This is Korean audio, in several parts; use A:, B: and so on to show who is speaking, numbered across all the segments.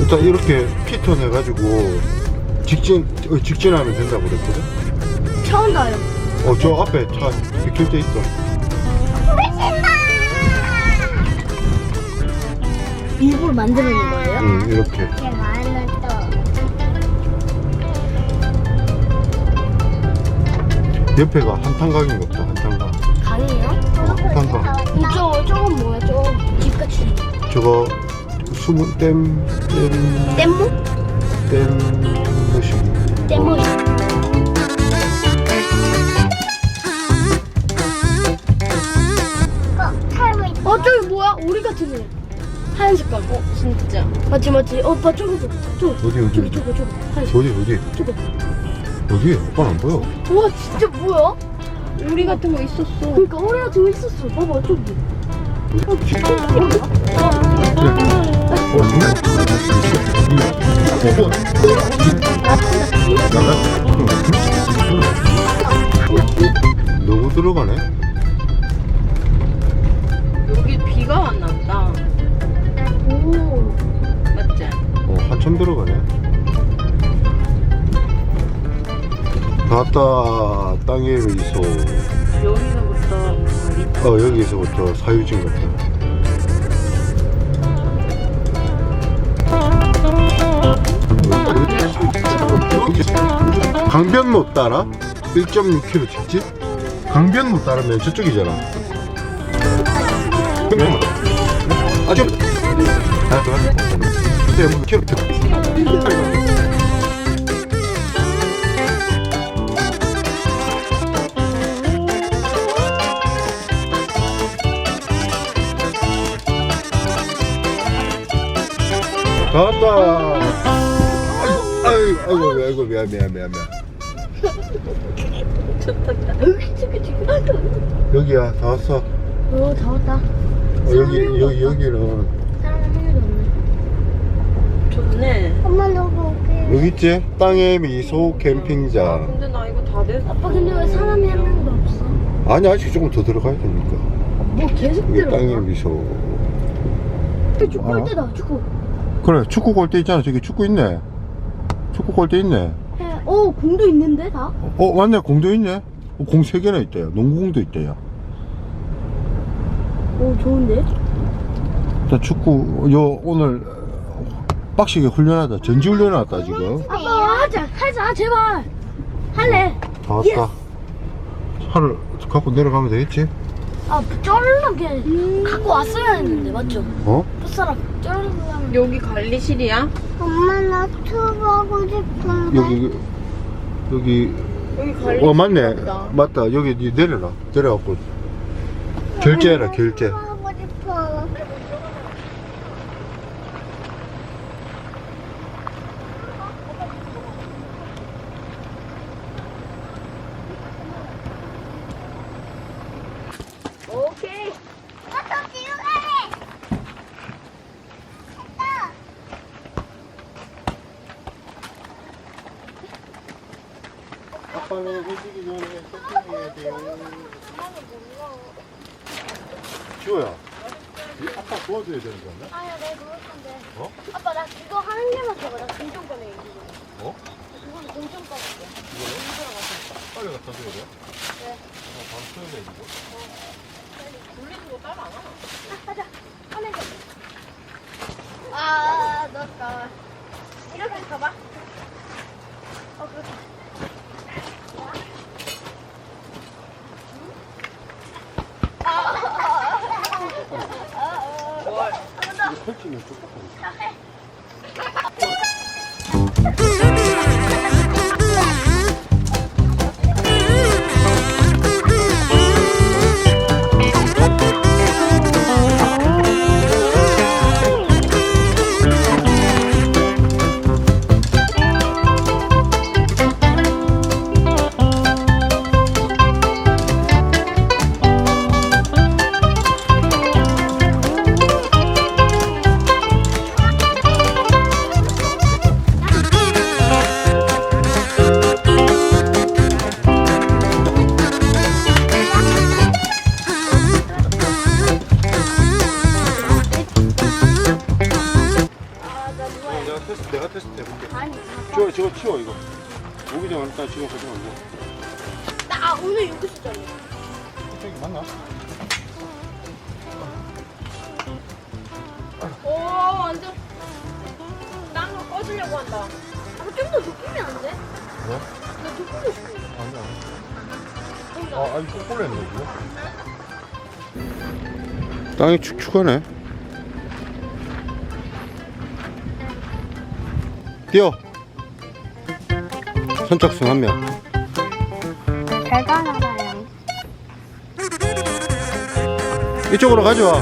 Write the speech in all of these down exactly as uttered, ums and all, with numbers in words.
A: 일단 이렇게 피턴 해가지고 직진 어, 직진하면 된다고 그랬거든.
B: 처음 가요.
A: 어 저 앞에 차 비켜져 있어.
B: 일부러 만드는 거예요?
A: 응 이렇게.
C: 이렇게 많은 또
A: 옆에가 한탄강인 것 같다. 한탄강.
B: 강이에요?
A: 어, 한탄강.
B: 이쪽 저건 뭐야? 저거 집같이.
A: 저거 숨은 댐, 댐,
B: 뗏목?
A: 댐, 무시.
B: 뗏목.
C: 어, 살고 있어.
B: 어 저기 뭐야? 오리 같은 애. 하얀 색깔. 어 진짜. 맞지 맞지. 어 오빠 저거 저거 저거.
A: 어디 어디
B: 저기
A: 어디
B: 저거 저거. 하얀
A: 어디 어디
B: 저거.
A: 어디? 오빠는 안 보여.
B: 우와 진짜 뭐야?
D: 우리 같은 거 있었어.
B: 그러니까 오리 같은 거 있었어. 봐봐 저기. 어 진짜 뭐야?
A: 어 누구? 너무 들어가네.
D: 여기 비가 왔나 보다.
B: 오.
D: 맞지?
A: 어 한참 들어가네. 나왔다. 땅에 있어.
D: 여기서부터
A: 어 여기서부터 사유진 같다. 강변로 따라 일 점 육 킬로미터 직진? 강변로 따르면 저쪽이잖아. 아, 좀. 아, 그래. 근데 뭐 킬로미터. 나왔다. 아이고, 아이고, 아이고, 아이고, 미안, 미안, 미안, 미안. 여기야, 다 왔어. 어,
B: 오다 왔다.
A: 여기, 여기, 여기는.
B: 사람 한 명도 없네.
D: 좋네.
C: 엄마 너무 웃겨.
A: 여기 있지? 땅의 미소
D: 아,
A: 캠핑장.
D: 근데 나 이거 다 됐어.
B: 아빠 근데 왜 사람이 한 명도 없어?
A: 아니, 아직 조금 더 들어가야 되니까.
B: 뭐 계속
A: 여기
B: 들어가?
A: 땅의 미소.
B: 축구 할 때다 축구.
A: 그래, 축구 골대 있잖아. 저기 축구 있네. 축구 골대 있네.
B: 해. 어 공도 있는데 다?
A: 어, 맞네. 공도 있네. 어, 공 세 개나 있대요. 농구공도 있대요.
B: 오 좋은데?
A: 자, 축구, 요, 오늘, 빡시게 훈련하다. 전지훈련 왔다, 지금.
B: 아빠 하자 하자 제발 할래.
A: 다 왔다. 차를 갖고 내려가면 되겠지?
B: 아 쩌르르게 갖고 왔어야 했는데 맞죠?
A: 어?
B: 풋사람 쩌르르하면
D: 여기 관리실이야?
C: 엄마 나 투보고 싶은데.
A: 여기, 여기,
D: 여기 관리실.
A: 어, 맞네.
D: 보다.
A: 맞다. 여기 니 내려라. 내려갖고. 결제해라, 결제.
C: 투보고 싶어.
B: 오케이.
C: 아빠 뒤로 가래. 됐다.
A: 아빠는 해지기 전에 세팅해야 돼요. 지호야, 이 아빠 도와줘야 되는 거 아니야?
B: 아야 내가 그럴 건데.
A: 어?
B: 아빠 나 그거 하는 게만 줘봐. 나 공정 꺼내 이거.
A: 어?
B: 그거는 공정 꺼낼게.
A: 빨리 갖다 줘야 돼?
B: 네.
A: 어, 바로 써야 돼, 이거.
D: 돌리는 거 따로 안 하나?
B: 가자. 꺼내자. 아 넣었다. 이렇게 가봐. 어 그렇게.
A: 이거 펼치면 쭉 저거 치워 이거. 오기 전에 일단 지금 가져가 이거.
B: 나 아, 오늘 여기서 자네.
A: 저기 맞나?
D: 오 완전 딴거 꺼주려고 한다.
B: 아, 좀더 높이면 안 돼?
A: 뭐?
B: 나 높이고 싶어.
A: 아니야.
B: 뭔가.
A: 아, 아니 꼭 꼴렸네 이거. 땅이 축축하네. 뛰어. 선착순 한 명.
C: 대단하다요.
A: 이쪽으로 가져와.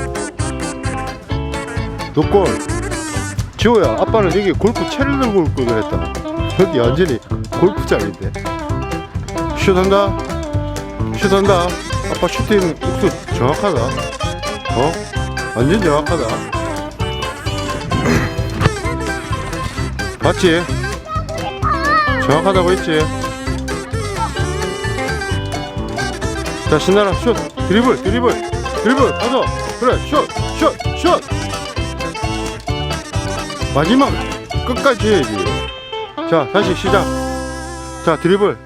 A: 너꼴. 지호야, 아빠는 여기 골프 채를 들고 올 걸 그랬다. 여기 완전히 골프장인데. 슛한다. 슛한다. 아빠 슈팅 육수 정확하다. 어? 완전 정확하다. 맞지? 정확하다고 했지? 자, 신나라. 슛. 드리블, 드리블. 드리블. 가서. 그래. 슛. 슛. 슛. 마지막. 끝까지 해야지. 자, 다시 시작. 자, 드리블.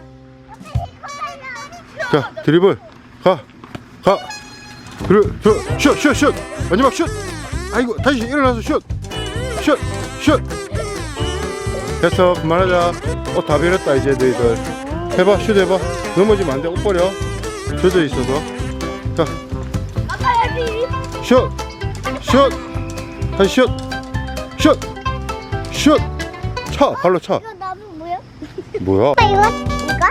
A: 자, 드리블. 가. 가. 그래. 슛. 슛. 슛. 마지막 슛. 아이고, 다시 일어나서 슛. 슛. 슛. 됐어. 그만하자. 옷 다 베렸다, 이제 너희들. 해봐. 슛 해봐. 넘어지면 안 돼. 옷 버려. 젖어 있어서. 자.
B: 아빠 여기.
A: 슛! 슛! 다시 슛! 슛! 슛! 차! 발로 차!
C: 이거 나무 뭐야?
A: 뭐야?
C: 아빠 이거? 이거?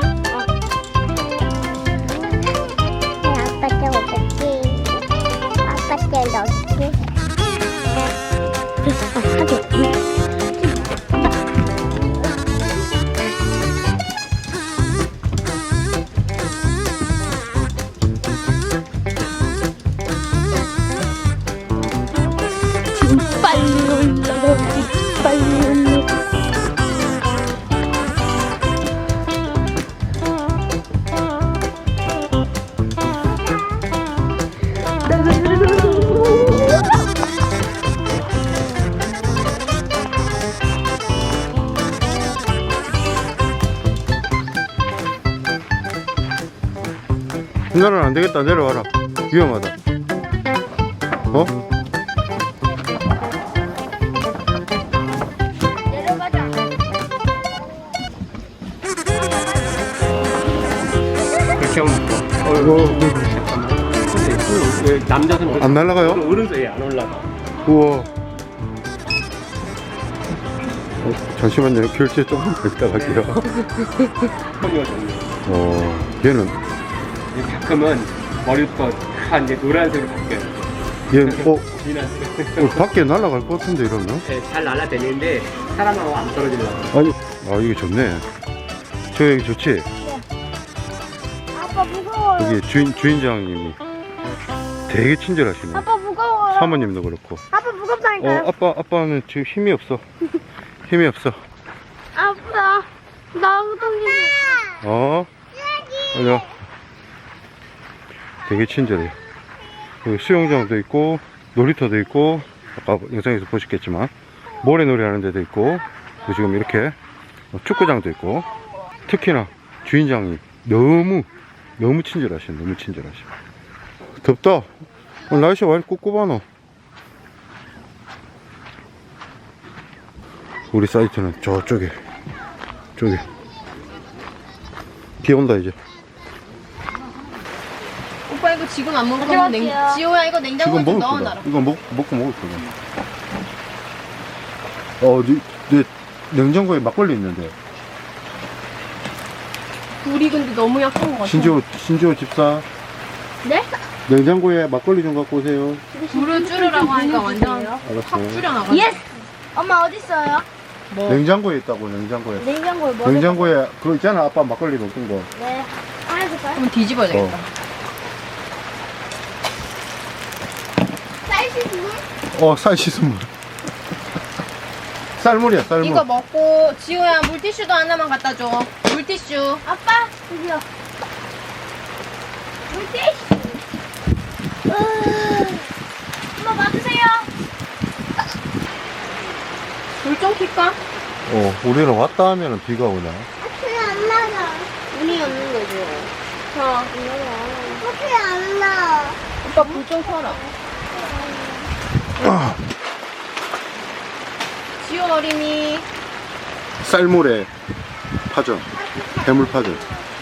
C: 아빠 좀 어떻게? 아빠 좀 어떻게?
B: 됐어. 하게. 지금 빨리 올라가지. 빨리 올라가.
A: 누나는 안 되겠다. 내려와라. 위험하다. 어?
B: 내려가자.
E: 그렇게 하면 어,
A: 이거
E: 근데 왜 남자는
A: 안 날아가요?
E: 오른손에 안 올라가.
A: 우와. 어, 잠시만요. 결제 조금 더 있다 갈게요.
E: 컴이가 정리.
A: 어, 얘는,
E: 가끔은 머리부터 다 이제 노란색으로 바뀌어요.
A: 얘는, 어,
E: 진한색.
A: 어, 밖에 날아갈 것 같은데, 이러면?
E: 네, 잘 날아다니는데 사람하고 안 떨어지려고.
A: 아니, 아, 이게 좋네. 저 여기 좋지?
B: 아빠 무거워요.
A: 여기 주인, 주인장님이 되게 친절하시네.
B: 아빠 무거워요.
A: 사모님도 그렇고.
B: 아빠 무겁다니까요.
A: 어, 아빠, 아빠는 지금 힘이 없어. 힘이 없어.
B: 아빠 나 엉덩이.
A: 어? 맞아. 되게 친절해. 여기 수영장도 있고, 놀이터도 있고, 아까 영상에서 보셨겠지만, 모래놀이 하는 데도 있고, 또 지금 이렇게 축구장도 있고, 특히나 주인장이 너무, 너무 친절하시네. 너무 친절하시네. 덥다. 오늘 날씨가 왜 이렇게 꿉꿉하노? 우리 사이트는 저쪽에, 저기. 비 온다, 이제.
D: 오빠 이거 지금 안 먹을 거면 냉
B: 가져갈게요.
D: 지호야 이거 냉장고에
A: 지금
D: 좀
A: 먹을
D: 넣어놔라.
A: 거다. 이거 먹, 먹고 먹을 거다. 어, 네, 네 냉장고에 막걸리 있는데.
D: 불이 근데 너무 약한 것 같아.
A: 신지호, 신지호 집사.
B: 네?
A: 냉장고에 막걸리 좀 갖고 오세요.
D: 불을 줄이라고 하니까 완전
A: 알았어.
D: 확 줄여나가.
B: 예스. 엄마 어디 있어요?
D: 뭐
A: 냉장고에 있다고, 냉장고에.
B: 냉장고에 뭐?
A: 냉장고에, 그거 있잖아. 아빠 막걸리 먹은 거.
B: 네. 하나 줄까요?
D: 그럼 뒤집어야 되겠다.
B: 사이즈 물?
A: 어, 쌀 씻은 물. 쌀물이야, 쌀물.
D: 이거 먹고 지호야 물티슈도 하나만 갖다 줘. 물티슈.
B: 아빠 드디어. 물티슈. 엄마 맞으세요.
D: 불 좀 켤까?
A: 어, 우리는 왔다 하면은 비가 오냐?
C: 왜안 나가?
B: 운이 없는 거죠. 자,
C: 왜안 나?
D: 오빠 불 좀 켜라. 지호 어린이.
A: 쌀물에 파전, 해물파전.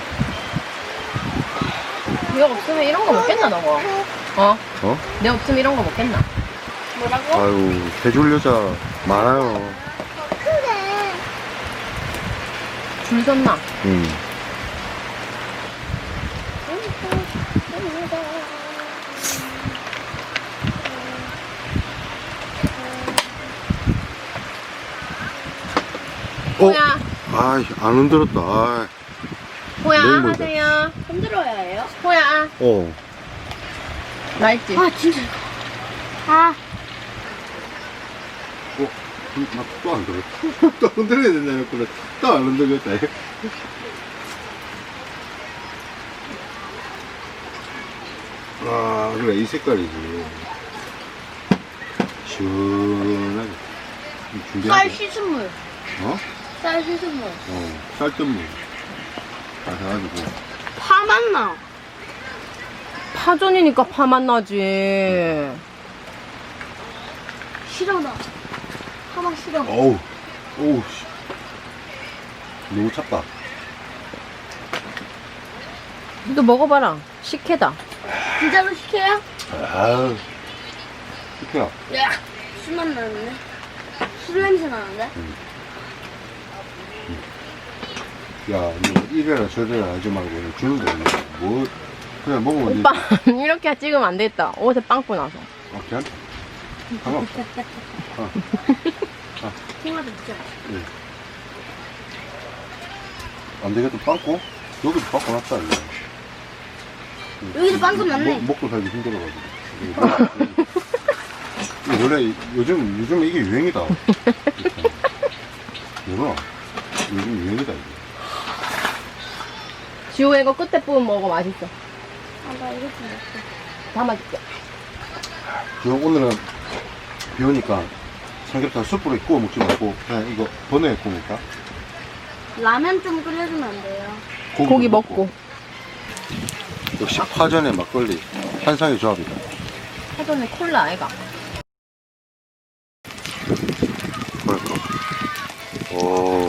D: 내가 없으면 이런 거 먹겠나 너거? 어?
A: 어?
D: 내가 없으면 이런 거 먹겠나?
B: 뭐라고?
A: 아유, 해줄 여자 많아요.
C: 그래.
D: 줄 섰나?
A: 음. 어?
D: 호야,
A: 아이, 안 흔들었다. 아이.
D: 호야
A: 내일 먹자.
D: 하세요.
B: 흔들어야 해요?
D: 호야,
A: 어.
D: 나 있지?
B: 아, 진짜.
C: 아,
A: 어? 또안 들었어. 또 흔들어야 된다며, 그래. 또 안 흔들겠다. 아, 그래, 이 색깔이지. 시원하게.
B: 쌀
A: 준비하자.
B: 씻은물.
A: 어?
B: 쌀 씻은물.
A: 어, 쌀뜨물. 다 해가지고.
B: 파 맛나.
D: 파전이니까 파만 나지.
B: 싫어, 나. 파맛 싫어.
A: 어우, 어우, 씨. 너무 찼다.
D: 너 먹어봐라. 식혜다.
B: 진짜로 시켜요?
A: 아유, 이렇게야.
B: 야, 술맛 나는데? 술 냄새 나는데?
A: 야, 너 이래라 저래라 하지 말고 그냥 주는 거야. 뭐, 그냥 먹으면
D: 오빠
A: 되지.
D: 이렇게 찍으면 안 되겠다. 옷에 빵꾸 나서.
A: 어, 괜찮다. 상관없어. 어.
B: 통화도 진짜.
A: 안 되겠다, 빵꾸? 여기도 빵꾸 났다, 이거.
B: 여기도 빵꾸 났네.
A: 먹, 먹고 살기 힘들어가지고. 이거 원래 요즘, 요즘 이게 유행이다. 몰라. 요즘 유행이다, 이게.
D: 지호야 이거 끝에 부분 먹어. 맛있어.
B: 아, 나 이거 좀 먹어.
D: 담아줄게.
A: 지금 오늘은 비 오니까 삼겹살 숯불에 구워 먹지 말고 그냥 이거 번호에 구우니까
B: 라면 좀 끓여주면 안 돼요?
D: 고기 먹고.
A: 역시 파전에 막걸리 환상의 조합이다.
D: 파전에 콜라 아이가.
A: 그럴까? 오,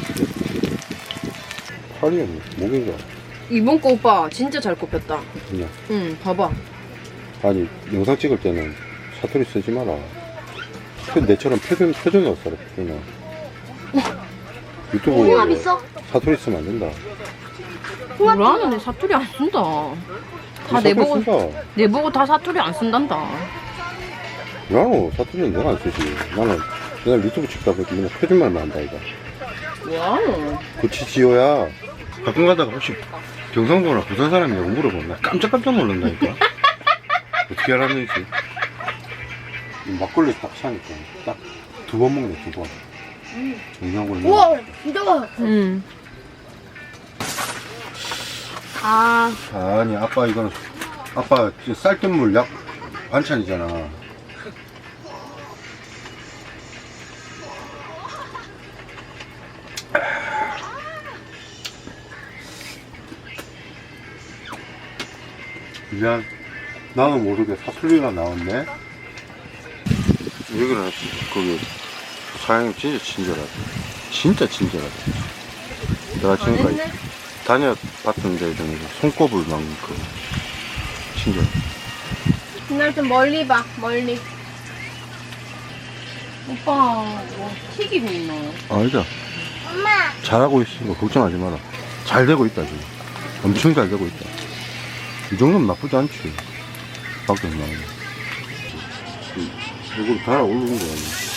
A: 팔이었네. 목인가?
D: 이번 거 오빠 진짜 잘 꼽혔다.
A: 그냥.
D: 응, 봐봐.
A: 아니 영상 찍을 때는 사투리 쓰지 마라. 표- 내처럼 표준 표준어 써라. 표준어. 유튜브
B: 홍합 있어?
A: 사투리 쓰면 안 된다.
D: 뭐라는 애 사투리 안 쓴다. 다
A: 사투리
D: 내보고
A: 쓴다.
D: 내보고 다 사투리 안 쓴단다.
A: 나는 사투리는 내가 안 쓰지. 나는 내가 유튜브 찍다 보니까 맨날 표준말만 한다 이거.
D: 와우.
A: 그치 지호야. 가끔 가다가 혹시 경상도나 부산 사람이냐고 물어보면 나 깜짝깜짝 놀란다니까. 어떻게 알았는지. 이 막걸리 딱 사니까 딱 두 번 먹네 두 번. 냉장고에 넣어.
B: 우와, 진짜 맛.
D: 응.
B: 아,
A: 아니 아빠 이거는 아빠 저 쌀뜨물 약 반찬이잖아. 미안, 나는 모르게 사투리가 나왔네. 여기는 거기 사장님 진짜 친절하다. 진짜 친절하다. 내가 지금까지 다녀봤던 데 중에서 손꼽을 만큼 친절.
D: 그날 좀 멀리 봐. 멀리. 오빠 뭐 튀기고 있나?
A: 아니다.
C: 엄마.
A: 잘하고 있으니까 걱정하지 마라. 잘 되고 있다 지금. 엄청 잘 되고 있다. 이 정도면 나쁘지 않지. 밖에 안 나오네. 이걸 달아 올리는 거야.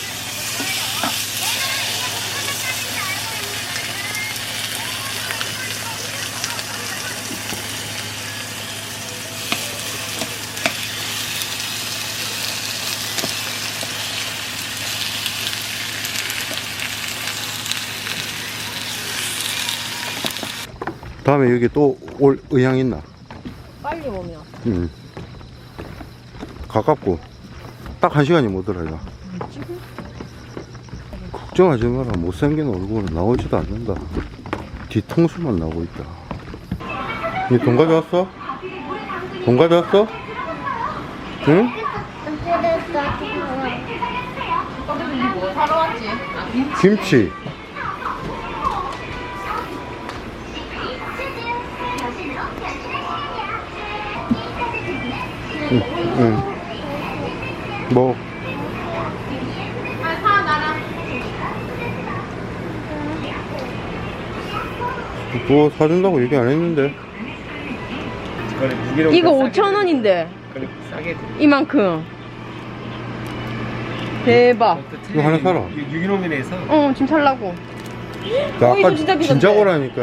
A: 다음에 여기 또 올 의향 있나?
D: 빨리 오면.
A: 응. 가깝고 딱 한 시간이 못 들어 이거. 걱정하지 마라. 못생긴 얼굴은 나오지도 않는다. 뒤통수만 나오고 있다. 니 돈 가져왔어? 돈 가져왔어? 응?
D: 뭐 사러 왔지? 아, 김치.
A: 김치. 응, 응. 뭐?
D: 아, 사, 나랑.
A: 뭐 사준다고 얘기 안 했는데.
E: 이거는 유기농
D: 이거
E: 싸게
D: 오천 원인데.
E: 그래 싸게 드려.
D: 이만큼. 대박.
A: 이거 하나 사라.
E: 유- 유기농이라서
D: 어, 지금 살라고.
A: 나
D: 어, 이거
A: 아까
D: 진짜 비싼데.
A: 진작오라니까.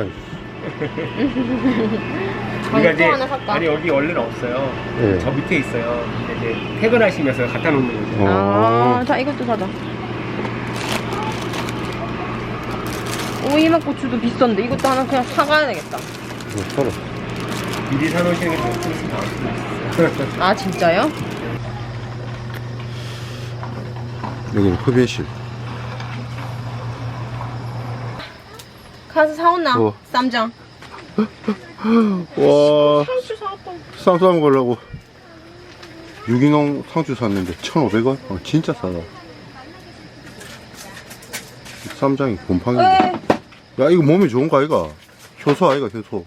E: 우리가
D: 또 하나 살까?
E: 아니 여기 원래는 없어요.
A: 네.
E: 저 밑에 있어요. 근데 이제 퇴근하시면서 갖다 놓는 거죠.
A: 어.
D: 아, 자, 이것도 사자. 오이맛 고추도 비싼데 이것도 하나 그냥 사가야 되겠다.
A: 이거 사라.
E: 미리 사놓으시는 게 좀 있으면 나올 수도 있어요.
D: 아, 진짜요?
A: 여기는 흡연실.
D: 가서 사온나?
A: 뭐?
D: 쌈장.
A: 와,
D: 상추 사왔다.
A: 쌈 싸 먹으려고 유기농 상추 샀는데 천오백 원? 어, 진짜 싸다. 쌈장이 곰팡이인데.
D: 에이.
A: 야, 이거 몸에 좋은 거 아이가? 효소 아이가, 효소.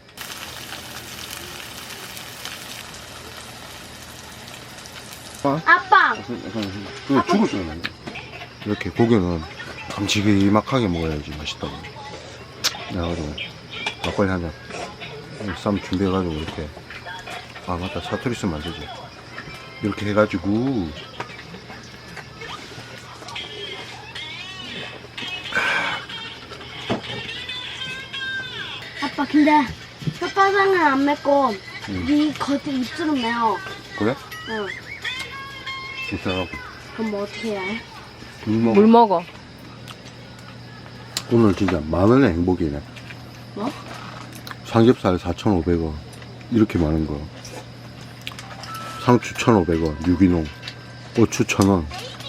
C: 아빠.
A: 그거 죽을 줄 알았네. 이렇게 고기는 깜찍이막하게 먹어야지 맛있다고. 그래가지고 막걸리 한 잔. 쌈 준비해가지고 이렇게. 아, 맞다. 사투리 쓰면 안 되지. 이렇게 해가지고.
C: 아빠 근데 혓바닥은 안 맵고
A: 응.
C: 네 겉에 입술은 매워.
A: 그래?
C: 응.
A: 진짜.
C: 그럼 뭐 어떻게 해?
A: 물 먹어.
D: 물 먹어.
A: 오늘 진짜 만 원의 행복이네.
C: 뭐?
A: 삼겹살 사천오백 원. 이렇게 많은 거. 상추 천오백 원. 유기농. 고추 천 원.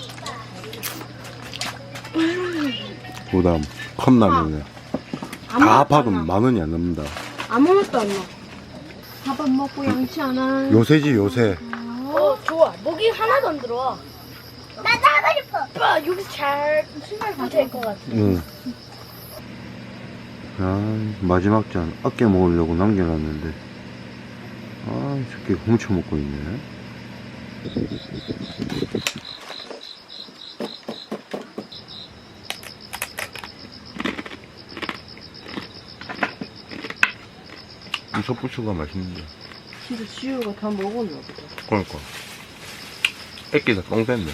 A: 그 다음 컵라면에 다 합하면 만 원이 안 넘는다.
C: 아무것도 안 넣어. 밥 안 먹고 양치 안 한.
A: 요새지 요새.
B: 어 좋아. 목이 하나도 안 들어와.
C: 나 나고 싶어.
B: 오빠 여기서 잘 신발 될것 같아.
A: 응. 아, 마지막 잔 아껴 먹으려고 남겨놨는데 아, 이 새끼 훔쳐 먹고 있네. 이 섭부추가 맛있는데.
D: 진짜 지우가 다 먹었나 보다.
A: 그러니까 애끼다 똥 뺐네.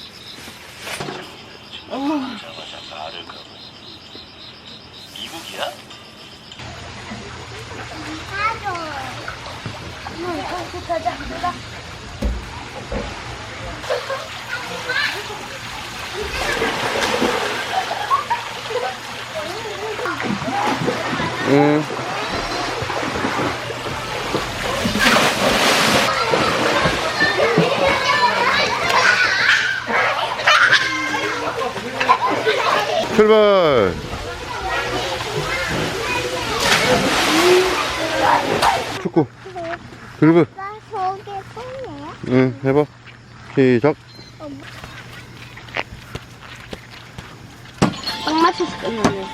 C: 가져. 응, 가서 가자. 가자.
A: 응. 출발. 축구 드리블.
C: 나 저기 뻔해.
A: 응, 해봐. 시작.
C: 딱 맞춰서 끝나네.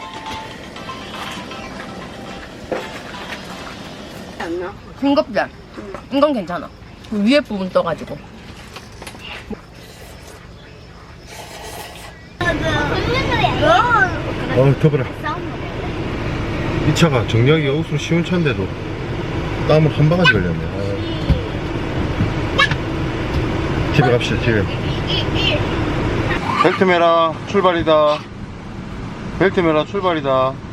C: 안 나?
D: 싱겁지? 이건 괜찮아. 위에 부분 떠가지고.
A: 어, 더불어. 이 차가 정리하기가 옷으로 쉬운 차인데도 땀을 한 바가지 걸렸네. 아. 집에 갑시다, 집에. 벨트 매라, 출발이다. 벨트 매라, 출발이다.